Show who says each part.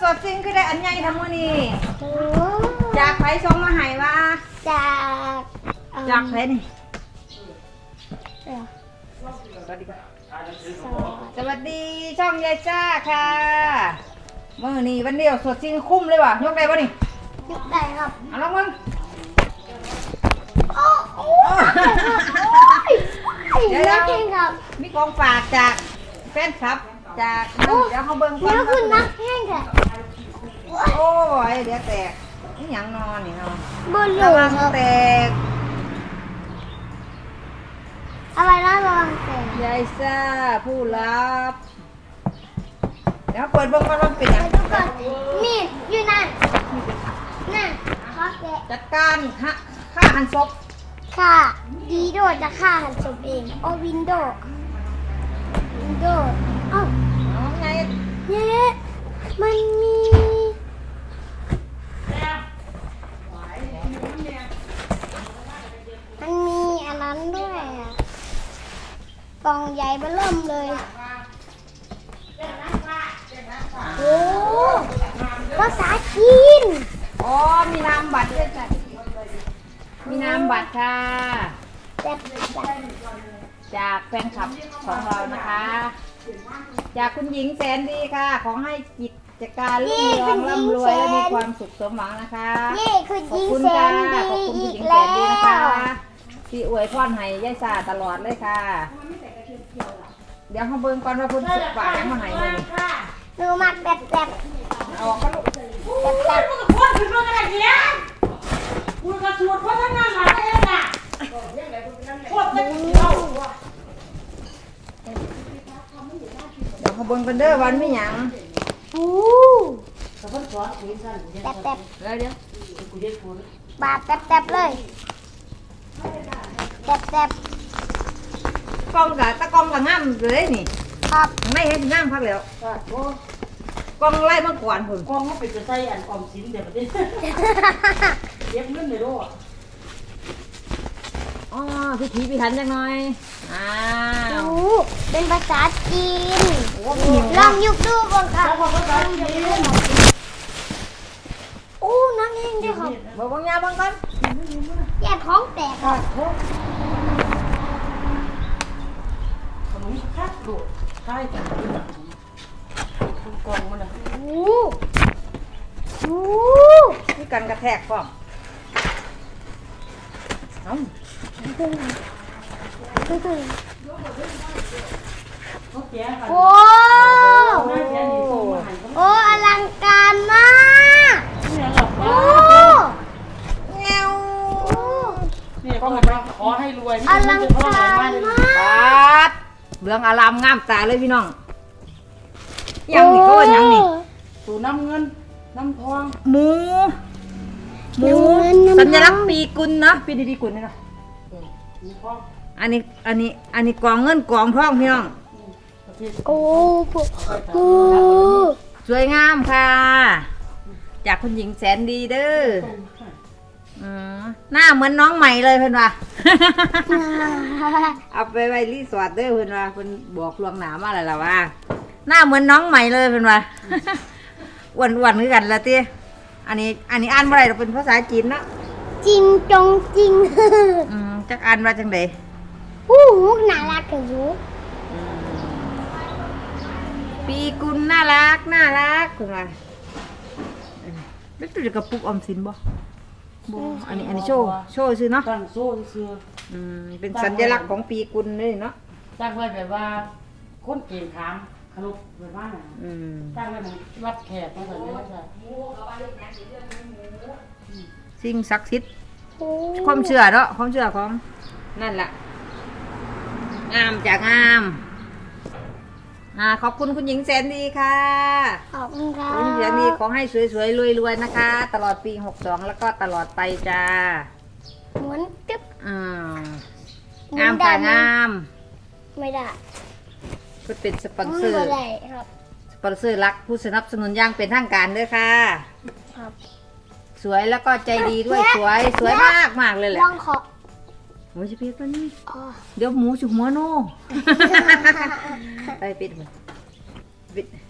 Speaker 1: ดจริงคือได้อันใหญ่ทั้งมื้อนี้
Speaker 2: โอ้
Speaker 1: จากไผส่งมาให้ว่า
Speaker 2: จาก
Speaker 1: จากไผนี่
Speaker 2: เดี๋ยว
Speaker 1: สวัสดีค่ะ
Speaker 2: สอง
Speaker 1: สวัสดีช่องยายจ้าค่ะมื้อนี้วันเดียวสดจริงคุ้มเลยว่ะยกได้บ่นี่
Speaker 2: ยกได้ครับ
Speaker 1: เอาลองมึง
Speaker 2: โอ้โหเดี๋ยวเก่งครับ
Speaker 1: มีของฝากจากแฟนคลับจากเดี๋ยวเขาเบิ่งก่อน
Speaker 2: เดี๋ยวคุณนักแข่งค่ะ
Speaker 1: โอ้ยเดี๋ยวแตกนี่หยังนอนนี่เนาะ
Speaker 2: บนห
Speaker 1: ระ
Speaker 2: ลุ
Speaker 1: วั
Speaker 2: ม
Speaker 1: ง
Speaker 2: ครับ
Speaker 1: แตก
Speaker 2: อะไรนะระวังแตก
Speaker 1: ยายซ่าผู้รับเดี๋ยวเปิดเบิ่งก่อนว่าเป็นหยัง
Speaker 2: ไปดูก่อนนี่อยู่นั่นนั่นขอแกะ
Speaker 1: จัดการฆ่าหันศพ
Speaker 2: ค่ะดีโดจะฆ่าหันศพเองโอ้วินโดเอ้า
Speaker 1: เอาไง
Speaker 2: เนี่ยมันมีอันนั้นด้วยอะกล่องใหญ่เบ้อเริ่มเลยโอ้ภาษาจีน
Speaker 1: อ๋อมีนามบัตรด้วยจ้ะมีนามบัตรค่ะ
Speaker 2: แต่
Speaker 1: จากแฟนคลับของเรานะคะ จากคุณหญิงแสนดีค่ะ ขอให้กิจการรุ่งเรืองร่ำรวยและมีความสุขสมหวังนะคะ
Speaker 2: นี่คือ
Speaker 1: ขอบ
Speaker 2: ยิง
Speaker 1: คุณ
Speaker 2: แส
Speaker 1: ค่ะ
Speaker 2: นดี
Speaker 1: ขอบคุณคุณ
Speaker 2: อี
Speaker 1: หญิ
Speaker 2: ก
Speaker 1: งแส
Speaker 2: แล้
Speaker 1: นดีนะคะ
Speaker 2: ว
Speaker 1: ที่อวยพรให้ยายสาตลอดเลยค่ะ เดี๋ยวเขาเบิ่งก่อนว่าคุณสุขฝากยังมาให้เลยนี่
Speaker 2: หนูมักแบบ
Speaker 1: เอาออกก็ลูก
Speaker 3: มึงกับคนถึงมึงอะไรเนี่ยมึงกับชวนคนทั้งนั้นมาได้ยังไงโคตรจะเที่ยว
Speaker 1: เดี๋ยวเขาเบิ่งกันเด้อวันไม่หยัง
Speaker 2: อู้
Speaker 3: แต่คนสอนคุยสั้น
Speaker 1: เดี๋ยว
Speaker 3: กูเย็ดคน
Speaker 2: บาดเลยแบบ
Speaker 1: กล้องกับตะกล้องกับงามเลยนี่
Speaker 2: ครับ
Speaker 1: ข้างในเห็นงามพักแล้ว
Speaker 3: ก็โอ้
Speaker 1: กล้องไล่มาก่อนพุ่น
Speaker 3: กองเขาไปจะใส่อันออมสินเดี๋ยวประเดี๋ยวเย็บเงินเลยด้วย
Speaker 1: อ๋อพิถีพิถันจังหน่อยอ้าว
Speaker 2: อู้เป็นภาษาจีน
Speaker 1: โอ้มี
Speaker 2: ลองยุบดูก่อนค่ะ
Speaker 3: แล้วเขาก็ใส่เย็น
Speaker 2: อู้นักเองด้วยครับ
Speaker 1: เบิ่งยาเบิ่งกัน
Speaker 2: แย่ท้องแตกครับ
Speaker 3: ขนมคัดโดดค่ายกันคุณกองมันนะ
Speaker 2: อู้อู้
Speaker 1: มีกันกระแทกพร้อมเอ้า
Speaker 3: เขาแก่กัน
Speaker 2: โอ้
Speaker 3: แม่แก่ดีส่งมาให้เขา
Speaker 2: โอ้อลังการมาก
Speaker 3: เนี่ยหลับ
Speaker 2: โอ้
Speaker 1: แง้ว
Speaker 3: เนี่ยก็มาขอให้รวย
Speaker 2: อลังการมาก
Speaker 1: ปัดเรื่องอารามงามตาเลยพี่น้องยังนี่ก็ว่ายังนี่
Speaker 3: สู่น้ำเงินน้ำทอง
Speaker 1: หมูหมูสัญลักษณ์ปีกุลเนาะปีดีๆกุลนี่เนาะ
Speaker 3: มีทอง
Speaker 1: อันนี้กองเงินกองทองพี่น้อง
Speaker 3: ประเทศ
Speaker 2: โอ้โห
Speaker 1: สวยงามค่ะ จากคุณหญิงแสนดีเด้อหน้าเหมือนน้องใหม่เลยเพื่อนว่า เอาไปไว้รีสอร์ทเด้อเพื่อนว่าเพื่อนบอกลวงหนามาอะไรล่ะว่าหน้าเหมือนน้องใหม่เลยเพื่อนว่า อ้วนๆคือกันละตี้อันนี้อ่านบ่ได้หรอกเป็นภาษาจีนเนาะ
Speaker 2: จริงจงจริง
Speaker 1: จักอ่านว่าจังได
Speaker 2: อู้หูน่ารักกับหู
Speaker 1: ปีกุลน่ารักเพื่อนว่าแล้วตัวกระปุกออมสินบ่บ่อันนี้โชว์ซื่อเนาะ
Speaker 3: ตั้งโซ่เสื้อ
Speaker 1: เป็นสัญลักษณ์ของปีกุลเลยเนาะ
Speaker 3: ตั้งไว้แบบว่าคนเก่งขามขลุกแบบว่าน่ะตั้งไว้เหมือนวัดแขกมาแบบนี้ใช่
Speaker 1: สิ่งศักดิ์สิทธิ์
Speaker 2: โอ้
Speaker 1: ความเชื่อเนาะความเชื่อของนั่นแหละงามจากงามขอบคุณคุณหญิงแสนดีค่ะ
Speaker 2: ขอบคุณครั
Speaker 1: คุณหญิงแสนดี
Speaker 2: บ
Speaker 1: ขอให้สวยๆรวยๆนะคะ ตลอดปี62แล้วก็ตลอดไปจ้า
Speaker 2: หมุนตึ๊บ
Speaker 1: งามค่ะงาม
Speaker 2: ไม่ได้
Speaker 1: ก็เป็นสปอนเซอร์
Speaker 2: ไม่ได้ครับ
Speaker 1: สปอนเซอร์รักผู้สนับสนุนอย่างเป็นทางการด้วยค่ะ
Speaker 2: ครับ
Speaker 1: สวยแล้วก็ใจดีด้วยสวยมากเลยแหละ
Speaker 2: ลองขอ
Speaker 1: โอ้ยจะเพี้ยนนี่
Speaker 2: อ๋อ
Speaker 1: เดี๋ยวหมูจุกหัวโน่ ไปปิดมันปิด